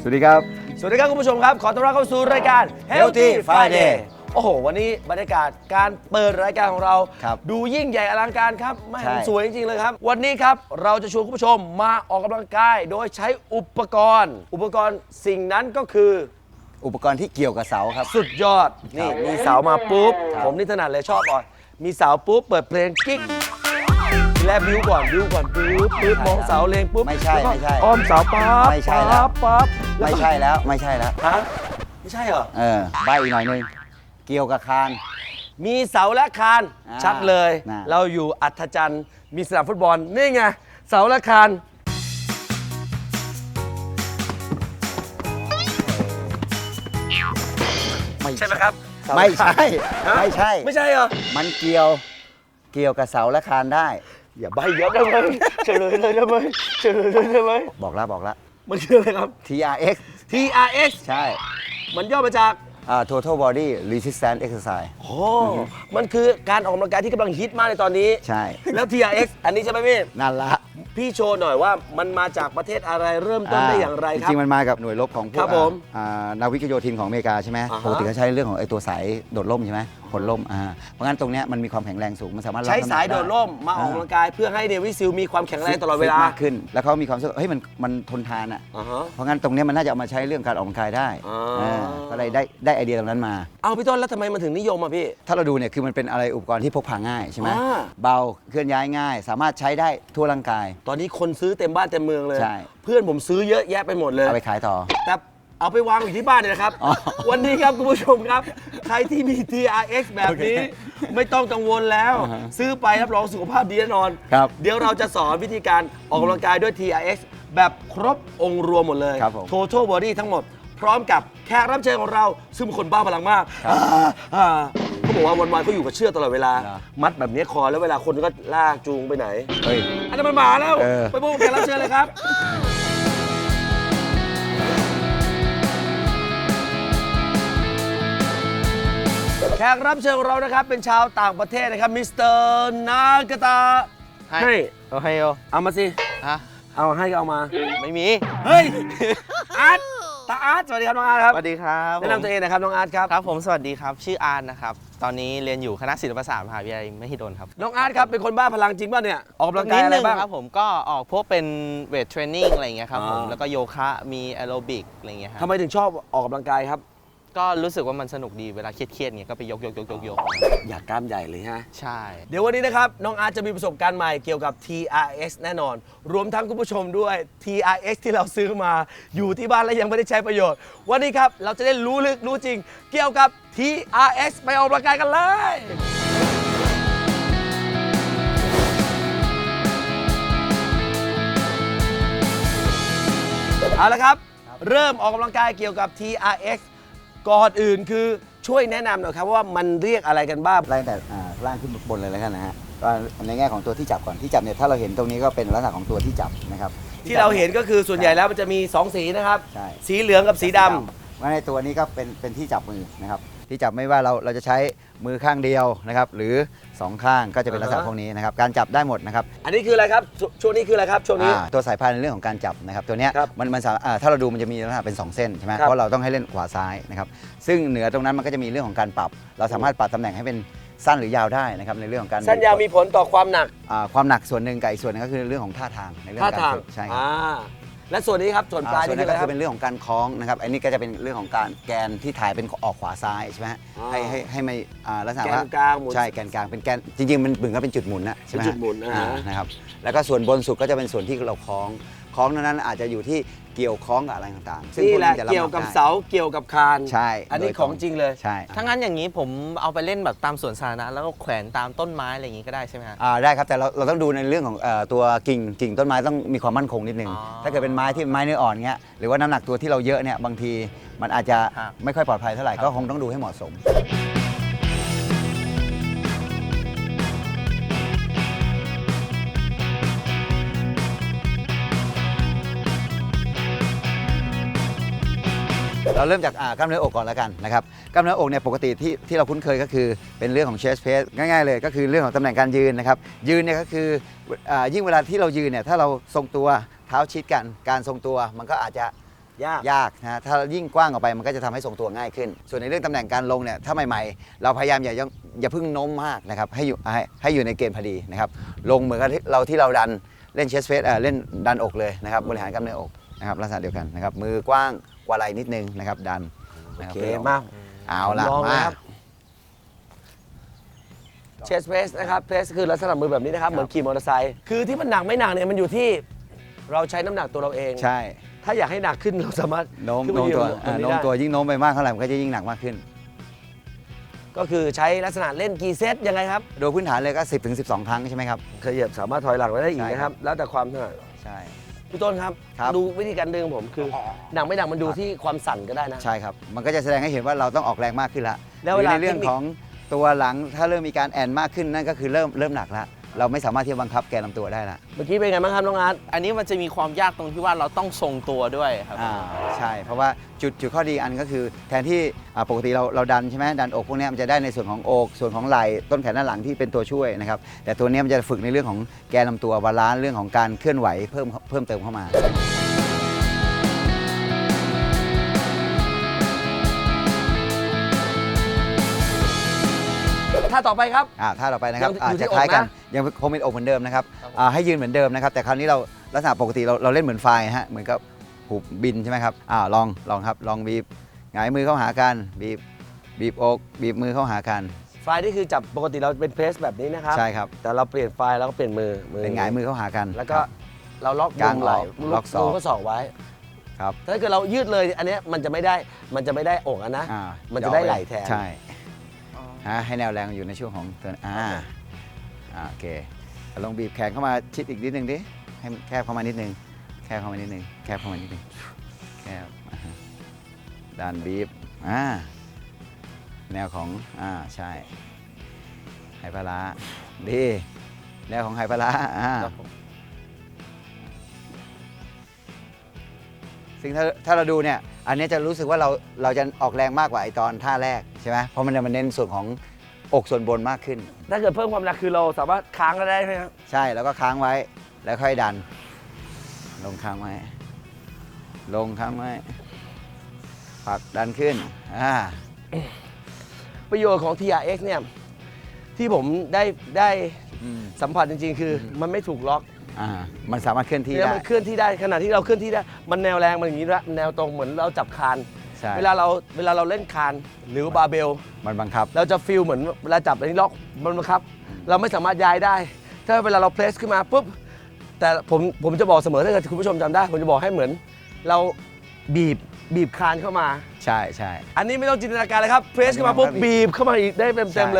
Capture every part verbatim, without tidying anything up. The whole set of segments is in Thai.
สวัสดีครับสวัสดีครับคุณผู้ชมครับขอต้อนรับเข้าสู่รายการ Healthy Friday โอ้โหวันนี้บรรยากาศการเปิดรายการของเราดูยิ่งใหญ่อลังการครับไม่สวยจริงๆเลยครับวันนี้ครับเราจะชวนคุณผู้ชมมาออกกำลังกายโดยใช้อุปกรณ์ อุปกรณ์สิ่งนั้นก็คืออุปกรณ์ที่เกี่ยวกับเสาครับสุดยอดนี่มีเสามาปุ๊บผมนี่ถนัดเลยชอบก่อนมีเสาปุ๊บเปิดเพลงกิ๊กแลบบิวก่อนบิวก่อนปุ๊บปุ๊บมองเสาเลงปุ๊บไม่ใช่ไม่ใช่อ้อมเสาปั๊บไม่ใช่แล้วปั๊บไม่ใช่แล้วไม่ใช่แล้วฮะไม่ใช่เหรอเออใบอีกหน่อยนึงเกี่ยวกับคานมีเสาและคานชัดเลยนะเราอยู่อัธจันทร์มีสนามฟุตบอลนี่ไงเสาและคานใช่ไหมครับไม่ใช่ไม่ใช่ไม่ใช่เหรอมันเกี่ยวเกี่ยวกับเสาและคานได้อย่าใบเยอะได้ไหมเฉลยเลยได้ไหมเฉลยเลยได้ไหมบอกแล้วบอกแล้วมันคืออะไรครับที อาร์ เอ็กซ์ที อาร์ เอ็กซ์ใช่มันย่อมาจากอ่า total body resistance exercise โอ้มันคือการออกกำลังกายที่กำลังฮิตมากในตอนนี้ใช่แล้ว ที อาร์ เอ็กซ์ อันนี้ใช่ไหมพี่นั่นละพี่โชว์หน่อยว่ามันมาจากประเทศอะไรเริ่มต้นได้อย่างไรครับจริงๆมันมากับหน่วยรบของพวกนาวิกโยธินของอเมริกาใช่ไหมปกติเขาใช้เรื่องของไอ้ตัวสายโดดร่มใช่ไหมผลล่มอ่าเพราะงั้นตรงเนี้ยมันมีความแข็งแรงสูงมันสามารถใช้สายโดดร่มมาออกกำลังกายเพื่อให้เนวิซิลมีความแข็งแรงตลอดเวลามากขึ้นแล้วเขามีความรู้สึกเฮ้ยมันมันทนทานอ่ะเพราะงั้นตรงเนี้ยมันน่าจะเอามาใช้เรื่องการออกกำลังกายได้ก็เลยได้ได้ไอเดียตรงนั้นมาเอาพี่ต้นแล้วทำไมมันถึงนิยมอ่ะพี่ถ้าเราดูเนี่ยคือมันเป็นอะไรอุปกรณ์ที่พกพาง่ายใช่ไหมเบาเคลื่อนย้ายง่ายสามารถใช้ได้ทั่วร่างกายตอนนี้คนซื้อเต็มบ้านเต็มเมืองเลยเพื่อนผมซื้อเยอะแยะไปหมดเลยเอาไปขายต่อแต่เอาไปวางอยู่ที่บ้านเนี่ยนะครับวันนี้ครับคุณผู้ชมครับใครที่มี ที อาร์ เอ็กซ์ แบบนี้ไม่ต้องกังวลแล้วซื้อไปรับรองสุขภาพดีแน่นอนเดี๋ยวเราจะสอนวิธีการออกกำลังกายด้วย ที อาร์ เอ็กซ์ แบบครบองค์รวมหมดเลย Total Body ทั้งหมดพร้อมกับแขกรับเชิญของเราซึ่งเป็นคนบ้าพลังมากเขาบอกว่าวันๆเขาอยู่กับเชือกตลอดเวลามัดแบบนี้คอแล้วเวลาคนก็ลากจูงไปไหนอันนั้นมันหมาแล้วไปพบกับแขกรับเชิญเลยครับแขกรับเชิญของเรานะครับเป็นชาวต่างประเทศนะครับมิสเตอร์นากาตาให้เอาให้เอามาสิฮะเอาให้ก็เอามาไม่มีเฮ้ยอาร์ตตาอาร์ตสวัสดีครับน้องอาร์ตครับสวัสดีครับแนะนำตัวเองนะครับน้องอาร์ตครับครับผมสวัสดีครับชื่ออาร์ตนะครับตอนนี้เรียนอยู่คณะศิลปศาสตร์มหาวิทยาลัยมหิดลครับน้องอาร์ตครับเป็นคนบ้าพลังจริงป่ะเนี่ยออกกำลังกายอะไรบ้างครับผมก็ออกพวกเป็นเวทเทรนนิ่งอะไรอย่างเงี้ยครับผมแล้วก็โยคะมีแอโรบิกอะไรอย่างเงี้ยครับทำไมถึงชอบออกกำลังกายครับก็รู้สึกว่ามันสนุกดีเวลาเครียดๆเงี้ยก็ไปยกยกยกยกยกอยากกล้ามใหญ่เลยฮะใช่เดี๋ยววันนี้นะครับน้องอาร์ตจะมีประสบการณ์ใหม่เกี่ยวกับ ที อาร์ เอ็กซ์ แน่นอนรวมทั้งคุณผู้ชมด้วย ที อาร์ เอ็กซ์ ที่เราซื้อมาอยู่ที่บ้านและยังไม่ได้ใช้ประโยชน์วันนี้ครับเราจะได้รู้ลึกรู้จริงเกี่ยวกับ ที อาร์ เอ็กซ์ ไปออกกำลังกายกันเลยเอาละครับเริ่มออกกำลังกายเกี่ยวกับ ที อาร์ เอ็กซ์ ก่อนอื่นคือช่วยแนะนำหน่อยครับว่ามันเรียกอะไรกันบ้างไล่แต่ล่างขึ้นบนเลยแล้วกันนะฮะก็ในแง่ของตัวที่จับก่อนที่จับเนี่ยถ้าเราเห็นตรงนี้ก็เป็นลักษณะของตัวที่จับนะครับที่เราเห็นก็คือส่วนใหญ่แล้วมันจะมีสองสีนะครับสีเหลืองกับสีดำว่าในตัวนี้ก็เป็นเป็นที่จับมือนะครับที่จับไม่ว่าเราเราจะใช้มือข้างเดียวนะครับหรือสองข้างก็จะเป็นลักษณะพวกนี้นะครับการจับได้หมดนะครับอันนี้คืออะไรครับช่วงนี้คืออะไรครับช่วงนี้ตัวสายพานในเรื่องของการจับนะครับตัวนี้มันมันถ้าเราดูมันจะมีลักษณะเป็นสองเส้นใช่ไหมเพราะเราต้องให้เล่นขวาซ้ายนะครับซึ่งเหนือตรงนั้นมันก็จะมีเรื่องของการปรับเราสามารถปรับตำแหน่งให้เป็นสั้นหรือยาวได้นะครับในเรื่องของการสั้นยาวมีผลต่อความหนักความหนักส่วนหนึ่งกับอีกส่วนนึงก็คือเรื่องของท่าทางในเรื่องของการฝึกใช่ครับและส่วนนี้ครับส่วนปลายนี่ก็คือเป็นเรื่องของการคล้องนะครับอันนี้ก็จะเป็นเรื่องของการแกนที่ถ่ายเป็นออกขวาซ้ายใช่ไหมให้ให้ให้ไม่ลักษณะว่าแกนกลางหมุนใช่แกนกลางเป็นแกนจริงๆมันเหมือนกับเป็นจุดหมุนนะใช่ไหมจุดหมุนนะครับแล้วก็ส่วนบนสุดก็จะเป็นส่วนที่เราคล้องคล้องนั้นอาจจะอยู่ที่เกี่ยวคล้องกับอะไรต่างๆนี่แหละเกี่ยวกับเสาเกี่ยวกับคานใช่อันนี้ของจริงเลยใช่ถ้างั้นอย่างนี้ผมเอาไปเล่นแบบตามสวนสาธารณะแล้วก็แขวนตามต้นไม้อะไรอย่างนี้ก็ได้ใช่ไหมครับอ่าได้ครับแต่เราเราต้องดูในเรื่องของตัวกิ่งกิ่งต้นไม้ต้องมีความมั่นคงนิดนึงถ้าเกิดเป็นไม้ที่ไม้เนื้ออ่อนเงี้ยหรือว่าน้ำหนักตัวที่เราเยอะเนี่ยบางทีมันอาจจะไม่ค่อยปลอดภัยเท่าไหร่ก็คงต้องดูให้เหมาะสมเราเริ่มจากกล้ามเนื้ออกก่อนแล้วกันนะครับกล้ามเนื้ออกเนี่ยปกติที่ที่เราคุ้นเคยก็คือเป็นเรื่องของ chest press ง่ายๆเลยก็คือเรื่องของตำแหน่งการยืนนะครับยืนเนี่ยก็คือยิ่งเวลาที่เรายืนเนี่ยถ้าเราทรงตัวเท้าชิดกันการทรงตัวมันก็อาจจะยากยากนะถ้ายิ่งกว้างออกไปมันก็จะทำให้ทรงตัวง่ายขึ้น ส่วนในเรื่องตำแหน่งการลงเนี่ยถ้าใหม่ๆ เราพยายามอย่าอย่าเพิ่งโน้มมากนะครับให้อยู่ให้ให้อยู่ในเกณฑ์พอดีนะครับลงเหมือนกับที่เราที่เราดันเล่นเชสเฟสเล่นดันอกเลยนะครับบริหารกล้ามเนื้ออกนะครับลักษณะเดียวกันนะครับมือกว้างกว่าไหล่นิดนึงนะครับดันโอนะครับเคมากเอาละลองมานะครับเชสเพสนะครับเพสคือลักษณะมือแบบนี้นะครับเหมือนขี่มอเตอร์ไซค์คือที่มันหนักไม่หนักเนี่ยมันอยู่ที่เราใช้น้ำหนักตัวเราเองใช่ถ้าอยากให้หนักขึ้นเราสามารถโน้มขึ้นไปโน้มยืนตัวบอ่านนี้โน้มได้ตัวยิ่งโน้มไปมากเท่าไหร่มันก็จะยิ่งหนักมากขึ้นก็คือใช้ลักษณะเล่นกี่เซตยังไงครับโดยพื้นฐานเลยก็สิบถึงสิบสองครั้งใช่ไหมครับขยับสามารถถอยหลังได้อีกนะครับ แล้วแต่ความถนัดใช่พี่ต้นครับครับดูวิธีการดึงผมคือหนักไม่หนักมันดูที่ความสั่นก็ได้นะใช่ครับมันก็จะแสดงให้เห็นว่าเราต้องออกแรงมากขึ้นละแล้วเวลาหรือในเรื่องเทคนิคของตัวหลังถ้าเริ่มมีการแอนมากขึ้นนั่นก็คือเริ่มเริ่มหนักละเราไม่สามารถที่จะบังคับแกนลำตัวได้ละเมื่อกี้เป็นไงบ้างครับน้องอาร์ตอันนี้มันจะมีความยากตรงที่ว่าเราต้องทรงตัวด้วยครับอ่าใช่เพราะว่าจุดจุดข้อดีอันก็คือแทนที่อ่าปกติเราเราดันใช่ไหมดันอกพวกเนี้ยมันจะได้ในส่วนของอกส่วนของไหล่ต้นแขนด้านหลังที่เป็นตัวช่วยนะครับแต่ตัวเนี้ยมันจะฝึกในเรื่องของแกนลำตัวบาลานซ์เรื่องของการเคลื่อนไหวเพิ่มเพิ่มเติมเข้ามาถ้าต่อไปครับอ่าท่าต่อไปนะครับยังอาอยู่จที่จะคล้ายกันอกนะยังคงเป็นอกเหมือนเดิมนะครับอ่าให้ยืนเหมือนเดิมนะครับแต่คราวนี้เราลักษณะปกติเราเราเล่นเหมือนไฟล์ฮะเหมือนกับหูบินใช่ไหมครับอ่าลองลองครับลองบีบหงายมือเข้าหากันบีบบีบอกบีบมือเข้าหากันไฟล์นี่คือจับปกติเราเป็นเพรสแบบนี้นะครับใช่ครับแต่เราเปลี่ยนไฟล์แล้วก็เปลี่ยนมือมืเป็นหงายมือเข้าหากันแล้วก็ครับเราล็อกกางมุมไหล่ออกล็อกศอกมุมข้อศอกไว้ครับถ้าเกิดเรายืดเลยอันเนี้ยมันจะไม่ได้มันจะไม่ได้อกอะนะอ่ามันจะได้ไหล่แทนใช่ฮะให้แนวแรงอยู่ในช่วงของตัวอ่าอ่าโอเคลองบีบแขนเข้ามาชิดอีกนิดนึงดิให้มันแคบเข้ามานิดนึงแคบเข้ามานิดนึงแคบเข้ามานิดนึงแคบอ่าฮะดันบีบอ่าแนวของอ่าใช่ไหปลาร้าดีแนวของไหปลาร้าอ่าครับผมซึ่งถ้าถ้าเราดูเนี่ยอันนี้จะรู้สึกว่าเราเราจะออกแรงมากกว่าไอตอนท่าแรกใช่ไหมเพราะมันจะมันเน้นส่วนของอกส่วนบนมากขึ้นถ้าเกิดเพิ่มความหนักคือเราสามารถค้างก็ได้ไหมครับใช่แล้วก็ค้างไว้แล้วค่อยดัน ลงค้างไว้ ลงค้างไว้ผลักดันขึ้นอ่าประโยชน์ของ ที อาร์ เอ็กซ์ เนี่ยที่ผมได้ได้อืมสัมผัสจริงๆ คือมันไม่ถูกล็อกอ่ามันสามารถเคลื่อนที่แล้วได้มันเคลื่อนที่ได้ขณะที่เราเคลื่อนที่ได้มันแนวแรงมันอย่างนี้ละแนวตรงเหมือนเราจับคานใช่เวลาเราเวลาเราเล่นคานหรือบาร์เบลมันบังคับเราจะฟีลเหมือนเวลาจับอันนี้ล็อกมันบังคับ เราไม่สามารถย้ายได้ ถ้าเวลาเราเพลสขึ้นมาปุ๊บแต่ผมผมจะบอกเสมอถ้าเกิดคุณผู้ชมจำได้ ผมจะบอกให้เหมือน เราบีบบีบคานเข้ามาใช่ใช่อันนี้ไม่ต้องจินตนาการเลยครับเพรสขึ้นมาปุ๊บบีบเข้ามาอีกได้เต็มใช่ๆเลย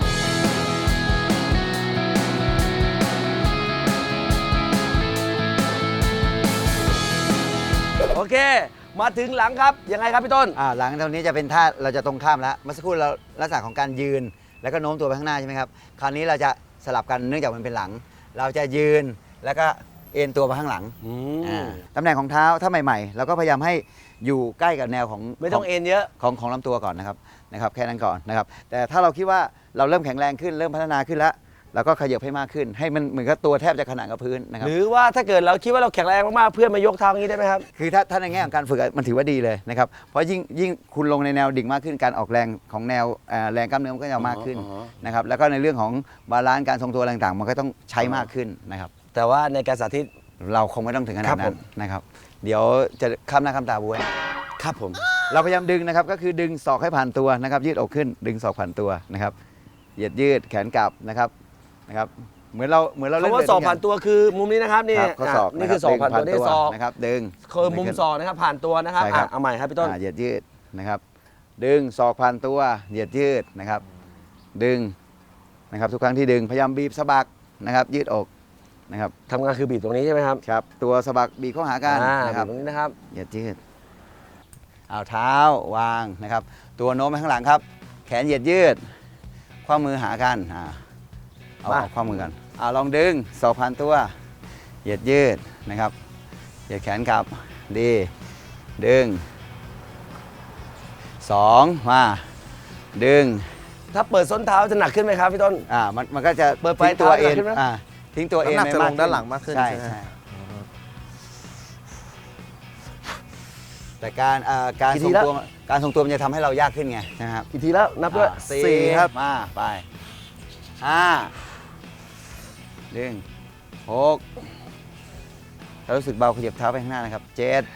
โอเค มาถึงหลังครับ ยังไงครับพี่ต้นอ่าหลังตรงนี้จะเป็นท่าเราจะตรงข้ามแล้วเมื่อสักครู่เราลักษณะของการยืน แล้วก็โน้มตัวไปข้างหน้าใช่ไหมครับคราวนี้เราจะสลับกันเนื่องจากมันเป็นหลัง เราจะยืนแล้วก็เอ็นตัวไปข้างหลัง อ่าตำแหน่งของเท้าถ้าใหม่ๆเราก็พยายามให้อยู่ใกล้กับแนวของไม่ต้องเอ็นเยอะของของลำตัวก่อนนะครับนะครับแค่นั้นก่อนนะครับแต่ถ้าเราคิดว่าเราเริ่มแข็งแรงขึ้นเริ่มพัฒนาขึ้นแล้วเราก็ขยับให้มากขึ้น ให้มันเหมือนกับตัวแทบจะขนานกับพื้นนะครับหรือว่าถ้าเกิดเราคิดว่าเราแข็งแรงมากๆเพื่อนมายกเท้าอย่างนี้ได้ไหมครับคือถ้าถ้าในแง่ของการฝึกอะมันถือว่าดีเลยนะครับเพราะยิ่งยิ่งคุณลงในแนวดิ่งมากขึ้นการออกแรงของแนวเอ่อแรงกล้ามเนื้อมันก็จะมากขึ้นอ๋อนะครับแล้วก็ในเรื่องของบาลานซ์การทรงตัวอะไรต่างๆ มันก็ต้องใช้มากขึ้นนะครับแต่ว่าในการสาธิตเราคงไม่ต้องถึงขนาครัดบผนั้มนนะครับเดี๋ยวจะข้ามหน้าข้ามตาบวยครับผมเราพยายามดึงนะครับก็คือดึงศอกให้ผ่านตัวนะครับยืดอกขึ้น ดึงศอกผ่านตัวนะครับเหยียดยืดแขนกลับนะครับนะครับเหมือนเราเหมือนเราเล่นคำว่าเวทศอกด้วยกัผ่านตัวคือมุมนี้นะครับนี่ครับข้อศอกอ่ะนี่คือศอกผ่านตัวนี่ศอกนะครับดึงคือมุมศอกนะครับผ่านตัวนะครับใช่ครับอ่ะเอาใหม่ครับพี่ต้นอ่าเหยียดยืดนะครับ ดึงศอกผ่านตัวเหยียดยืดนะครับ ดึงนะครับทุกครั้งที่ดึงพยายามบีบสะบักนะครับยืดอกนะครับทำงานคือบีบตรงนี้ใช่ไหมครับครับตัวสะบักบีบเข้าหากันอ่านะครับบีบตรงนี้นะครับเหยียดยืดเอาเท้าวางนะครับ ตัวโน้มไปข้างหลังครับ แขนเหยียดยืดข้อมือหากันอ่าเอามาเอาข้อมือกันเอาลองดึงศอกผ่านตัวเหยียดยืดนะครับเหยียดแขนกลับดีดึงสองมาดึงถ้าเปิดส้นเท้าจะหนักขึ้นไหมครับพี่ต้นอ่ามันมันก็จะเปิดไฟทิ้งตัวเท้าเอ็นหนักขึ้นไหมอ่าทิ้งตัวเอ็นน้ำหนักไปจะลมากงขึ้นด้านหลังมากขึ้นใช่ใช่ไหมใช่แต่การเอ่อการกี่ททีรงแล้วตัวการทรงตัวมันจะทำให้เรายากขึ้นไงนะครับกี่ทีแล้วนับด้วยอ่าสี่สี่ครับมาไปห้าดึงหกเรารู้สึกเบาขยับเท้าไปข้างหน้านะครับเจ็ด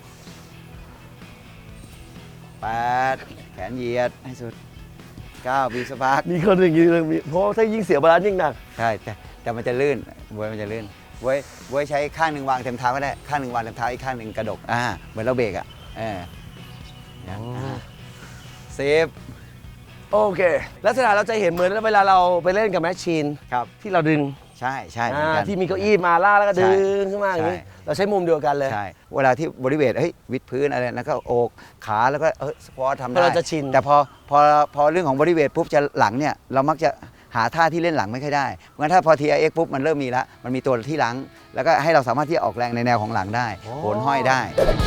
แปดแขนเหยียดให้สุดเก้าบีบสะบักมีคนอย่างนี้เลยมีเพราะว่าถ้ายิ่งเสียบาลานซ์ยิ่งหนักใช่แต่แต่มันจะลื่นบวยมันจะลื่นบวยบวยใช้ข้างหนึ่งวางเต็มเท้าก็ได้ข้างหนึ่งวางเต็มเท้าอีกข้างหนึ่งกระดกอ่าเหมือนเราเบรกอ่ะเออเนี่ยอ่าสิบโอเค ลักษณะเราจะเห็นเหมือนเวลาเราไปเล่นกับแมชชีนครับที่เราดึงใช่ใช่เหมือนอ่ากันที่มีเก้าอี้มาล่ากแล้วก็ใช่ดึงขึ้นมาอย่างนี้ใช่เราใช้มุมเดียวกันเลยใช่เวลาที่บริเวณเฮ้ยวิดพื้นอะไรแล้วก็โอกขาแล้วก็เออสควอตทำเพได้ราะเราจะชินแต่พอพอพอเรื่องของบริเวณปุ๊บจะหลังเนี่ยเรามักจะหาท่าที่เล่นหลังไม่ค่อยได้งั้นถ้าพอ ที ไอ เอ็กซ์ ปุ๊บมันเริ่มมีละมันมีตัวที่หลัง แล้วก็ให้เราสามารถที่จะออกแรงในแนวของหลังได้โหนห้อยได้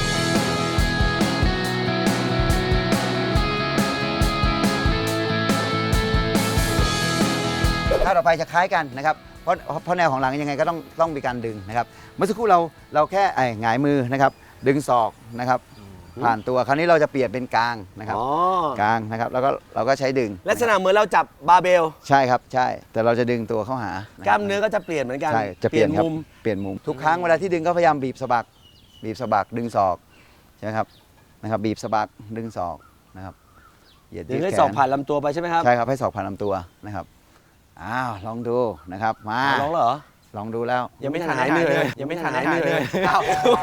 ถ้าต่อไปจะคล้ายกันนะครับ เพราะเพราะแนวของหลังยังไงก็ต้องต้องมีการดึงนะครับ เมื่อสักครู่เราเราแค่ไอ้หงายมือนะครับ ดึงศอกนะครับ ผ่านตัว คราวนี้เราจะเปลี่ยนเป็นกลางนะครับอ๋อกลางนะครับ แล้วก็เราก็ใช้ดึงลักษณะเหมือนเราจับบาร์เบลใช่ครับ ใช่ แต่เราจะดึงตัวเข้าหาะครับกล้ามเนื้อก็จะเปลี่ยนเหมือนกันใช่ จะเปลี่ยนครับมุมเปลี่ยนมุม ทุกครั้งเวลาที่ดึงก็พยายามบีบสะบัก บีบสะบัก ดึงศอก ใช่ไหมครับ นะครับ บีบสะบัก ดึงศอกนะครับ เหยียดดึยืงดให้แขศอกนผ่านลำตัวไปใช่ไหมครับใช่ครับ ให้ศอกผ่านลำตัวนะครับ อ้าว ลองดูนะครับ มาอ่ะลองแล้วเหรอลองดูแล้วยังไม่ทันหายเหนื่อยเลยยังไม่ทันหายเหนื่อยเลยอ้าว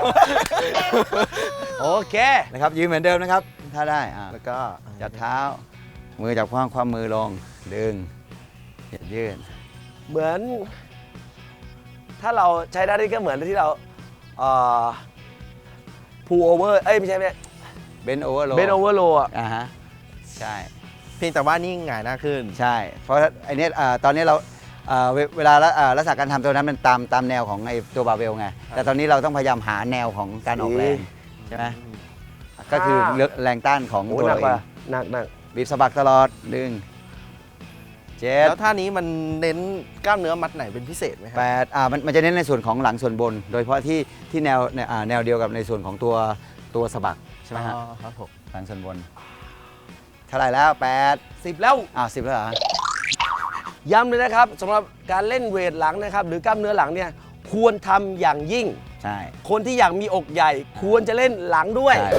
โอเคนะครับยืนเหมือนเดิมนะครับ ถ้าได้อ่าแล้วก็จัดเท้า มือจับข้างความมือลง ดึงเหยียดยืดเหมือน ถ้าเราใช้ด้านนี้ก็เหมือนที่เราเอ่อพูโอเวอร์เอ้ยไม่ใช่ไม่ใช่เบนโอเวอร์โลเบนโอเวอร์โลอ่ะอ่าฮะใช่เพียงแต่ว่านี่หงายหน้าขึ้นใช่ เพราะไอเนี้ยอ่าตอนนี้เราอ่าเวเวลาละอ่าลักษณะการทำตัวนั้นมันตามตามแนวของไอตัวบาร์เบลไง แต่ตอนนี้เราต้องพยายามหาแนวของการออกแรงใช่ไหมก็คือแรงต้านของโอ้ตัวหนัเรากเอว่ะงหนักหนักบีบสะบักตลอดดึงเจ็ดแล้วท่านี้มันเน้นกล้ามเนื้อมัดไหนเป็นพิเศษไหมครัแปดอ่ามันมันจะเน้นในส่วนของหลังส่วนบน โดยเฉพาะที่ที่แนวเนี่ยอ่าแนวเดียวกับในส่วนของตัวตัวสะบักใช่ไหมฮะอ๋อครับผมหลังส่วนบนเท่าไหร่แล้วแปดสิบแล้วอ้าวสิบแล้วเหรอย้ำเลยนะครับสำหรับการเล่นเวทหลังนะครับ หรือกล้ามเนื้อหลังเนี่ยควรทำอย่างยิ่งใช่คนที่อยากมีอกใหญ่ ควรจะเล่นหลังด้วยใช่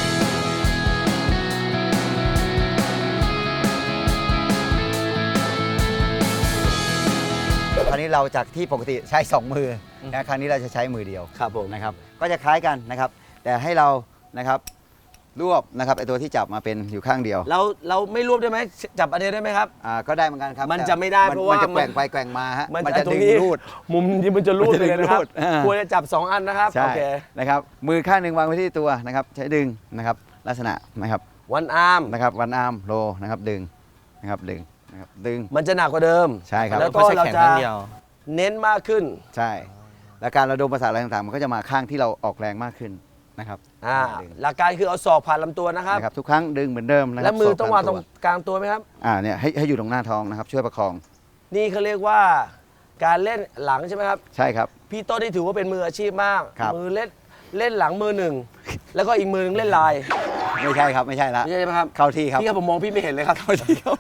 คราวนี้เราจากที่ปกติใช้สองมือนะคราวนี้เราจะใช้มือเดียวครับผมนะครับก็จะคล้ายกันนะครับ แต่ให้เรานะครับรวบนะครับไอตัวที่จับมาเป็นอยู่ข้างเดียวเราเราไม่รวบได้ไหมจับอันเดียวได้ไหมครับอ่าก็ได้เหมือนกันครับมันแต่จะไม่ได้เพราะว่ามันจะแกว่งมันไปแกว่งมาฮะมันมันจะจะตรงดึงนี้รูดมุมนี้มันจะรูดเลยนะครับมันจะดึงรูดอ่าควรจะจับสองอันนะครับใช่โอเคนะครับมือข้างหนึ่งวางไว้ที่ตัวนะครับใช้ดึงนะครับลักษณะนะครับวันอาร์มนะครับวันอาร์มโลนะครับดึงนะครับดึงนะครับดึงมันจะหนักกว่าเดิมใช่ครับแล้วก็ไม่ใช่เราแขนจะข้างเดียวเน้นมากขึ้นใช่ แล้วการระดมประสาทอะไรต่างๆ มันก็จะมาข้างที่เราออกแรงมากขึ้นนะครับอ่าดึงหลักการคือเอาศอกผ่านลำตัวนะครับนะครับทุกครั้งดึงเหมือนเดิมนะครัและมือต้องวางศตกรงผ่นกลางตัวไหมครับอ่าเนี่ยให้ให้อยู่ตรงหน้าท้องนะครับช่วยประคองนี่เขาเรียกว่าการเล่นหลังใช่ไหมครับใช่ครับพี่โต้นี่ถือว่าเป็นมืออาชีพมากครับมือเล่นเล่นหลังมือหนึ่ง แล้วก็อีกมือหนึงเล่นลายไม่ใช่ครับไม่ใช่ละไม่ใช่ไหมครับเข้าที่ครับพี่ครับผมมองพี่ไม่เห็นเลยครับเข้าที่ครับ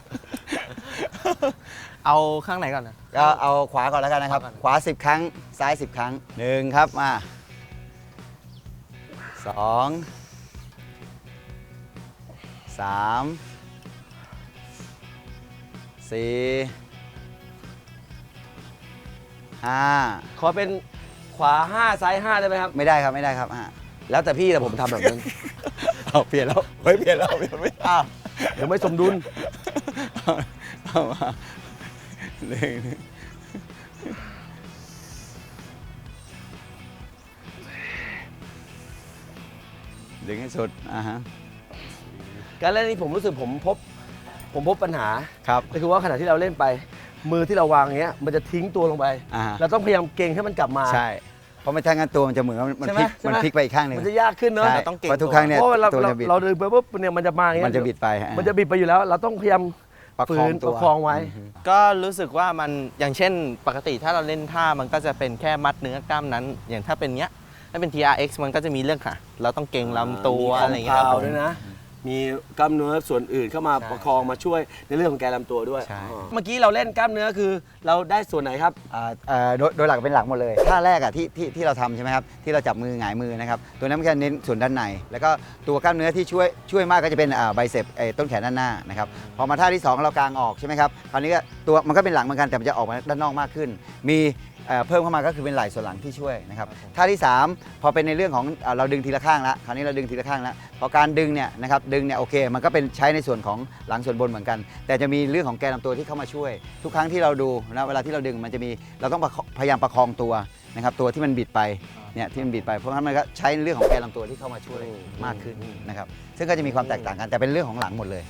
เอาข้างไหนก่อนนะก็เอาขวาก่อนแล้วกันนะครับ ขวาสิบครั้งซ้ายสิบครั้งหนึ่งครับมาสองสามสี่ห้าขอเป็นขวาห้าซ้ายห้าได้ไหมครับไม่ได้ครับไม่ได้ครับอ่ะแล้วแต่พี่แต่ผมทำแบบนั้นเอาเปลี่ยนแล้วเฮ้ยเปลี่ยนแล้วเปลี่ยนไม่อ้าวเดี๋ยวไม่สมดุลเอาเอามาหนึ่งดึงให้สุดอ่าฮะการเล่นนี้ผมรู้สึกผมพบ ผมพบปัญหาครับก็คือว่าขณะที่เราเล่นไป มือที่เราวางอย่างเงี้ยมันจะทิ้งตัวลงไปอ่าฮะเราต้องพยายามเก่งให้มันกลับมาใช่ เพราะไม่ถ้างั้นตัวมันจะเหมือนว่ามันใช่ไหมพลิกใช่ไหมมันพลิกไปอีกข้างหนึ่งมันจะยากขึ้นเนอะใช่เราต้องเก่งเพราะทุกครั้งเนี่ยเพราะเวลาตัวเราจะบิดเราเดินไปปุ๊บเนี่ยมันจะมาอย่างเงี้ยมันจะบิดไปฮะมันจะบิดไปอยู่แล้ว เราต้องพยายามประฝืคองนตัปวระคองไว้อืมก็รู้สึกว่ามันอย่างเช่นปกติถ้าเราเล่นท่ามันก็จะเป็นแค่มัดเนื้อกล้ามนั้น อย่างถ้าเป็นเนี้ยถ้าเป็น ที อาร์ เอ็กซ์ มันก็จะมีเรื่องค่ะ เราต้องเก่งลำตัวอะไรอย่างเงี้ยมีคครัวาบมพาวด้วยนะ มีกล้ามเนื้อส่วนอื่นเข้ามาใช่ประคองมาช่วยในเรื่องของแกนลำตัวด้วยใช่อ๋อเมื่อกี้เราเล่นกล้ามเนื้อคือเราได้ส่วนไหนครับอ่าเอ่อโดยโดยหลักเป็นหลังหมดเลยท่าแรกอ่ะที่ที่ที่เราทำใช่ไหมครับที่เราจับมือหงายมือนะครับตัวนั้นมันจะเน้นส่วนด้านในแล้วก็ตัวกล้ามเนื้อที่ช่วยช่วยมากก็จะเป็นอ่าไบเซปต้นแขนด้านหน้านะครับพอมาท่าที่สองเรากางออกใช่ไหมครับคราวนี้ก็ตัวมันก็เป็นหลังเหมือนกันแต่มันจะออกมาด้านนอกมากขึ้น มีเอ่อเพิ่มเข้ามาก็คือเป็นไหล่ส่วนหลังที่ช่วยนะครับท่าที่สามพอเป็นในเรื่องของเอ่อเราดึงทีละข้างละคราวนี้เราดึงทีละข้างละพอการดึงเนี่ยนะครับดึงเนี่ยโอเคมันก็เป็นใช้ในส่วนของหลังส่วนบนเหมือนกัน แต่จะมีเรื่องของแกนลำตัวที่เข้ามาช่วย ทุกครั้งที่เราดูนะเวลาที่เราดึงมันจะมีเราต้องประคพยายามประคองตัวนะครับตัวที่มันบิดไปเนี่ยที่มันบิดไปเพราะฉะนั้นมันก็ใช้เรื่องของแกนลำตัวที่เข้ามาช่วยมากขึ้นนะครับซึ่งก็จะมีความแตกต่างกันแต่เป็นเรื่องของหลังหมดเลย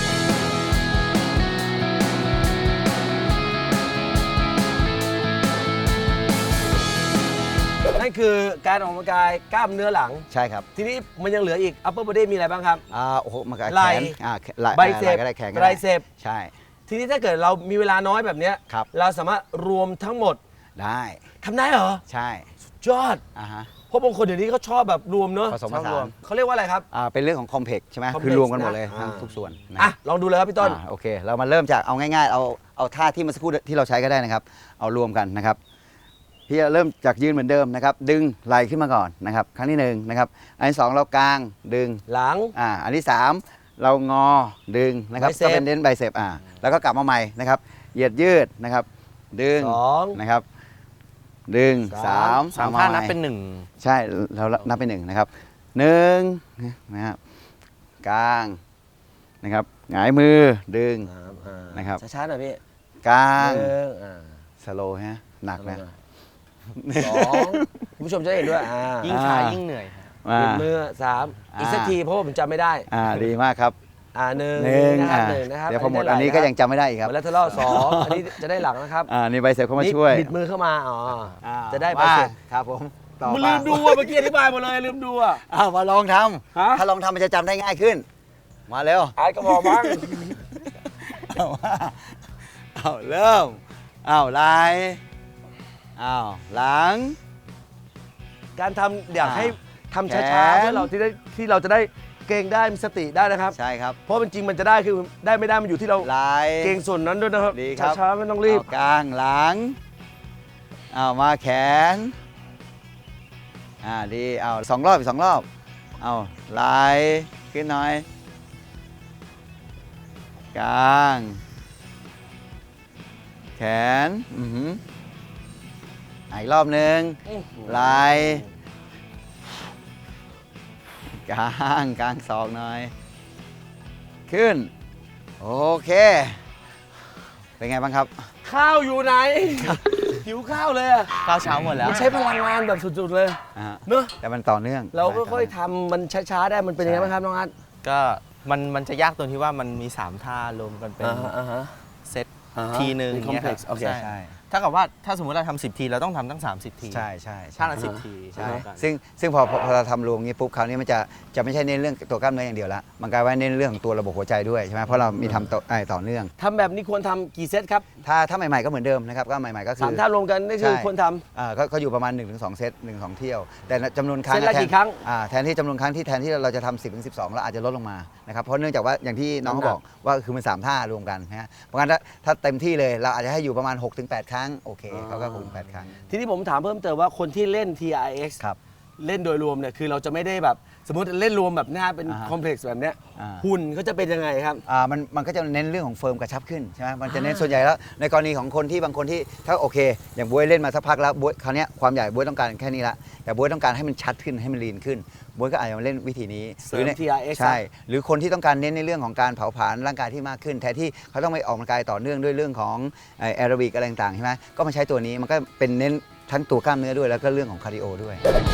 นั่นคือการออกกำลังกายกล้ามเนื้อหลังใช่ครับทีนี้มันยังเหลืออีก upper body มีอะไรบ้างครับอ่าโอ้โหมันก็ไหล่แขนอ่าไหล่ไบเซปไหล่ก็ได้แขนก็ไตรได้เซปใช่ทีนี้ถ้าเกิดเรามีเวลาน้อยแบบเนี้ยครับเราสามารถรวมทั้งหมดได้ทำได้เหรอใช่ยอดอ่าฮะเพราะบางคนเดี๋ยวนี้เขาชอบแบบรวมเนอะผสมผสานชอบรวเขาเรียกว่าอะไรครับอ่าเป็นเรื่องของคอมเพล็กซ์ใช่ไหม complex คือรวมกันหมดเลยนะทั้งอ่าทุกส่วนนะอ่ะลองดูเลยครับพี่ต้นอ่าโอเค เรามาเริ่มจากเอาง่ายๆ เอาเอาท่าที่เมื่อสักครู่ที่เราใช้ก็ได้นะครับ เอารวมกันนะครับ พี่จะเริ่มจากยืนเหมือนเดิมนะครับ ดึงไหล่ขึ้นมาก่อนนะครับ ครั้งที่หนึ่งนะครับ อันที่สองเรากางดึงหลังอ่า อันที่สามเรางอดึงนะครับ Bicep ก็เป็นเน้นไบเซปอ่า แล้วก็กลับมาใหม่นะครับ เหยียดยืดนะครับ ดึงสองนะครับ ดึงสามสามสามเอท่าใหนับเป็นหนึ่งใช่เรานับเป็นหนึ่งนะครับหนึ่งนะครับกางนะครับหงายมือดึงสามอ่านะครับช้าๆหน่อยพี่กางหนึ่งอ่าสโลว์ฮะหนักนะสองคุณผู้ชมจะได้เห็นด้วยอ่ายิ่งช้าอ่ายิ่ยิ่งเหนื่อยครับอ่าปิดมือสามอีกสักอ่าทีเพราะว่าผมจำไม่ได้อ่าดีมากครับอ่าหนึ่งหนึ่งนะครับอ่าหนึ่งนะครับเดี๋ยวพอหมดอันนี้ก็ยังจำไม่ได้อีกครับมาแล้วทะเลาะสองอันนี้จะได้หลังนะครับอ่านี่ใบเสร็จเข้ามาช่วยนี่บิดมือเข้ามาอ๋ออา จะได้ใบว่าเสร็จครับผมต่อมันมาลืมดูอ่ะเมื่อกี้อธิบายหมดเลยลืมดูอ่ะอ้าวมาลองทฮะำถ้าลองทำมันจะจำได้ง่ายขึ้น มาเร็วอายก็บอกมั้งเอาว่าเอาเริ่มเอาไหล่เอาหลังการทำอยากอ่าให้ทำแขช้าน ๆเพื่อเราที่ได้ที่เราจะได้เก่งได้มีสติได้นะครับใช่ครับเพราะเป็นจริงมันจะได้คือได้ไม่ได้มันอยู่ที่เราไหล่เก่งส่วนนั้นด้วยนะครับดีครับช้าๆไม่ต้องรีบเอากลางหลังเอามาแขนอ่าดีเอาสองรอบอีกสองรอบเอาไหล่ขึ้นหน่อยกลางแขนอือหืออ่ะอีกรอบหนึ่งไหล่กลางกลางศอกหน่อย ขึ้น โอเค เป็นไงบ้างครับข้าวอยู่ไหน หิวข้าวเลยอะข้าวเช้าหมดแล้วมันใช้พลังงานแบบสุดๆเลยอ่าฮะเนอะแต่มันต่อเนื่องเราก็ค่อยๆทำมันช้าๆได้มันเป็นยังไงบ้างครับน้องอัดก็มันมันจะยากตรงที่ว่ามันมีสามท่ารวมกันเป็นอ่าฮะเซตอ่าฮะทีหนึ่งเป็นอย่างเงี้ยครับ complex โอเคใช่ใช่ถ้ากับว่าถ้าสมมติเราทำสิบทีเราต้องทำตั้งสามสิบทีใช่ใช่ใช่ท่าละสิบทีใช่เท่ากันซึ่งซึ่งพอพอพอเราทำรวมงี้ปุ๊บคราวนี้มันจะจะไม่ใช่เน้นเรื่องตัวกล้ามเนื้ออย่างเดียวละมันกลายว่าเน้นเรื่องของตัวระบบหัวใจด้วยใช่ไหมเพราะเรามีทำต่อไอ้ต่อเนื่องทำแบบนี้ควรทำกี่เซตครับถ้าถ้าใหม่ๆก็เหมือนเดิมนะครับก็ใหม่ๆก็คืสามท่ารวมกันนี่คือใช่ควรทำอ่าก็ก็อยู่ประมาณ หนึ่งถึงสอง เซตหนึ่งถึงสองเที่ยว แต่จำนวนครั้งเซตละแทนกี่ครั้งอ่าแทนที่จำนวนครั้งที่แทนที่เราจะทำสิบถึงสิบสองเราอาจจะลดลงมานะครับเพราะเนื่องจากว่าอย่างที่น้องเขาบอกว่าคือมันสามท่ารวมกันนะฮะเพราะงั้นถ้าถ้าเต็มที่เลยเราอาจจะให้อยู่ประมาณหกถึงแปดครั้งโอเคเขาก็หกถึงแปดครั้งทีนี้ผมถามเพิ่มเติมว่าคนที่เล่น ที อาร์ เอ็กซ์ครับเล่นโดยรวมเนี่ยคือเราจะไม่ได้แบบสมมติเล่นรวมแบบหน้าเป็นอ่าฮะคอมเพล็กซ์แบบเนี้ยอ่าหุ่นเขาจะเป็นยังไงครับอ่ามันมันก็จะเน้นเรื่องของเฟิร์มกระชับขึ้นใช่ไหมมันจะเน้นอ่าส่วนใหญ่แล้วในกรณีของคนที่บางคนที่ถ้าโอเค อย่างบ๊วยเล่นมาสักพักแล้วบ๊วยคราวเนี้ยความใหญ่บ๊วยต้องการแค่นี้ละแต่บ๊วยต้องการให้มันชัดขึ้นให้มันลีนขึ้นบ๊วยก็อาจจะมาเล่นวิธีนี้เสริมในที อาร์ เอ็กซ์ใช่หรือคนที่ต้องการเน้นในเรื่องของการเผาผลาญร่างกายที่มากขึ้นแทนที่เขาต้องไปออกกำลังกายต่อเนื่องด้วยเรื่องของแอโรบิกอะไรต่างๆใช่ไหมก็มาใช้ตัวนี้มันก็เป็นเน้นทั้งตัวกล้ามเนื้อด้วยแล้วก็เรื่องของคาร์ดิโอด้วย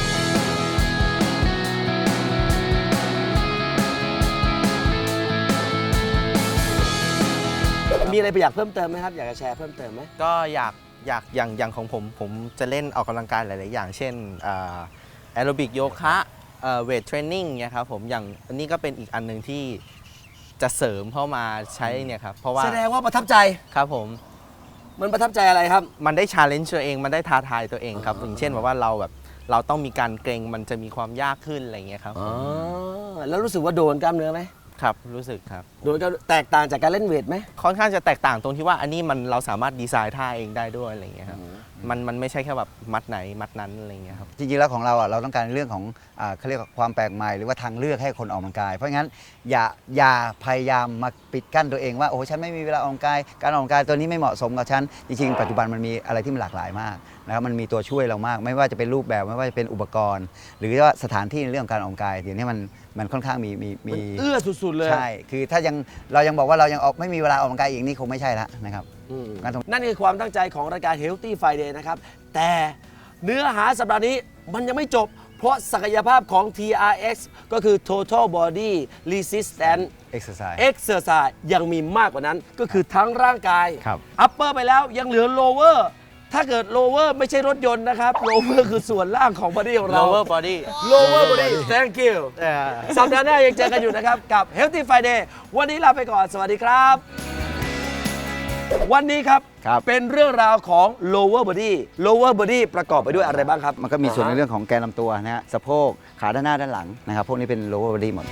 มีอะไรไปอยากเพิ่มเติมไหมครับ อยากจะแชร์เพิ่มเติมไหมก็อยากอยากอย่างอย่างของผมผมจะเล่นออกกำลังกายหลาย ๆ อย่าง เช่นแอโรบิกโยคะเวทเทรนนิ่งเนี่ยครับผมอย่างอันนี้ก็เป็นอีกอันหนึ่งที่จะเสริมเข้ามาใช้เนี่ยครับเพราะว่าแสดงว่าประทับใจครับผมมันประทับใจอะไรครับมันได้ชาเลนจ์ตัวเองมันได้ท้าทายตัวเองครับอย่างเช่นแบบว่าเราแบบเราต้องมีการเกรงมันจะมีความยากขึ้นอะไรอย่างเงี้ยครับอ๋อแล้วรู้สึกว่าโดนกล้ามเนื้อไหมครับรู้สึกครับโดนกล้ามแตกต่างจากการเล่นเวทไหมค่อนข้างจะแตกต่างตรงที่ว่าอันนี้มันเราสามารถดีไซน์ท่าเองได้ด้วยอะไรอย่างเงี้ยครับมันมันไม่ใช่แค่แบบมัดไหนมัดนั้นอะไรอย่างเงี้ยครับจริงๆแล้วของเราอ่ะเราต้องการเรื่องของอ่าเขาเรียกว่าความแปลกใหม่หรือว่าทางเลือกให้คนออกกำลังกาย เพราะงั้นอย่าอย่าพยายามมาปิดกั้นตัวเองว่าโอ้ฉันไม่มีเวลาออกกำลังกายการออกกำลังกายตัวนี้ไม่เหมาะสมกับฉันจริงๆปัจจุบันมันมีอะไรที่มันหลากหลายมากนะครับมันมีตัวช่วยเรามาก ไม่ว่าจะเป็นรูปแบบไม่ว่าจะเป็นอุปกรณ์ หรือว่าสถานที่ในเรื่องของการออกกำลังกายเดี๋ยวนี้มันมันค่อนข้างมีมีมีเอื้อสุดๆเลยใช่คือถ้ายังเรายังบอกว่าเรายังออกไม่มีเวลาออกกำลังกายอีกนี่คงไม่ใช่ละนะครับอืมงั้นต้องนั่นคือความตั้งใจของรายการ Healthy Friday นะครับ แต่เนื้อหาสัปดาห์นี้มันยังไม่จบ เพราะศักยภาพของ ที อาร์ เอ็กซ์ ก็คือ Total Body Resistance exercise Exercise ยังมีมากกว่านั้นก็คือทั้งร่างกายครับ Upper ไปแล้วยังเหลือ Lower ถ้าเกิด Lower ไม่ใช่รถยนต์นะครับ Lower คือส่วนล่างของ body ของเรา lower body Lower Body Thank you สัปดาห์หน้ายังเจอกันอยู่นะครับ กับ Healthy Friday วันนี้ลาไปก่อน สวัสดีครับ วันนี้ครับครับเป็นเรื่องราวของ lower body lower body ประกอบไปด้วยอะไรบ้างครับมันก็มีส่วนในเรื่องของแกนลำตัวนะฮะสะโพกขาด้านหน้าด้านหลังนะครับพวกนี้เป็น lower body หมด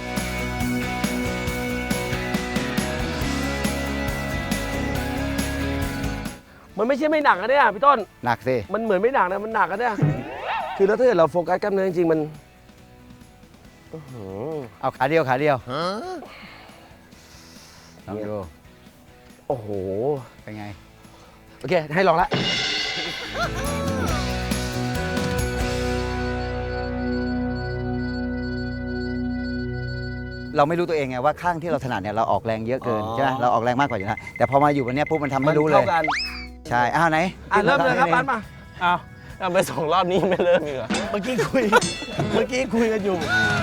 มันไม่ใช่ไม่หนักนะเนี่ยพี่ต้นหนักสิมันเหมือนไม่หนักนะ มันหนักนะเนี่ย คือแล้วถ้าเกิดเราโฟกัสกล้ามเนื้อจริงๆมันอื้อหือเอาขาเดียวขาเดียวลองดูโอ้โหเป็นไงโอเค ให้ลองละเราไม่รู้ตัวเองไงว่าข้างที่เราถนัดเนี่ยเราออกแรงเยอะเกินอ๋อใช่ไหมเราออกแรงมากกว่าอยู่แล้วแต่พอมาอยู่วันเนี้ยปุ๊บมันทำไม่รู้เลยเท่ากันใช่อ้าวไหนอ่ะเริ่มเลยครับทำให้ปานมาอ้าวทำไปสองรอบนี้ไม่เริ่มอีกเหรอเมื่อกี้คุย เมื่อกี้คุยกันอยู่